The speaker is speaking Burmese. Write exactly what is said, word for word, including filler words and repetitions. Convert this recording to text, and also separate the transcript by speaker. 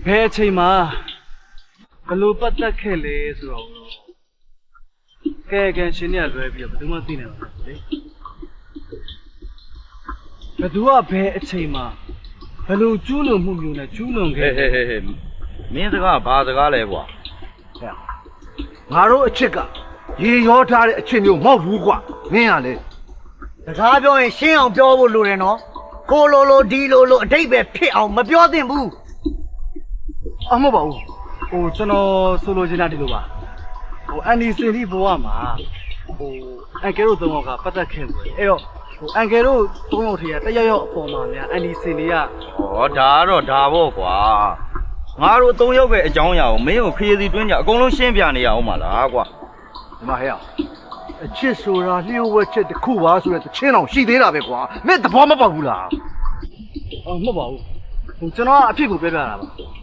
Speaker 1: ဘယ်အချိန်မှာဘလို့ပတ်သက်ခဲ့လဲဆိုတော့ကဲကဲရှင်เนี่ยလွဲပြီးတော့ဘယ်သူမှသိနေမှာမဟုတ်လေဘယ်သူကဘယ်အချိန်မှာဘလို့ကျူးလွန်မှုမျိုးနဲ့ကျူးလွန်ခဲ့
Speaker 2: ဟဲ့ဟဲ့ဟဲ့မင်းစကားဘာစကားလဲကွာ
Speaker 3: ငါတို့အချစ်ကရေရောထားတဲ့အချစ်မျိုးမဟုတ်ဘူးကွာမင်းကလေ
Speaker 4: စကားပြောရင်ရှင်းအောင်ပြောဖို့လိုတယ်နော်ကိုလိုလိုဒီလိုလိုအတိတ်ပဲဖြစ်အောင်မပြောသင့်ဘူး
Speaker 1: အမဟုတ်ပါဘူးဟိုကျွန်တော်ဆိုလိုချင်တာဒီလိုပါဟိုအန်ဒီစင်ဒီဘဝမှာဟိုအန်ကယ်တို့သုံးယောက်ကပတ်သက်ခဲ့တယ်အဲ့တော့ဟိုအန်ကယ်တို့သုံးယောက်ထဲကတယောက်ယောက်အပေါ်မှာများအန်ဒီစင်ဒီက
Speaker 2: ဩဒါကတော့ဒါပေါ့ကွာငါတို့အသုံးရောက်ပဲအကြောင်းအရာကိုမင်းကိုခရီးစီတွင်းကြအကုန်လုံးရှင်းပြနေရအောင်ပါလားကွာ
Speaker 3: ဒီမှာဟဲ့အချစ်ဆိုတာလျှို့ဝှက်ချက်တစ်ခုပါဆိုတဲ့တချင်းအောင်ရှိသေးတာပဲကွာမင်းသဘောမပေါက်ဘူးလား
Speaker 1: အော်မဟုတ်ပါဘူးဟိုကျွန်တော်ကအဖြစ်ကိုပြောပြတာပါ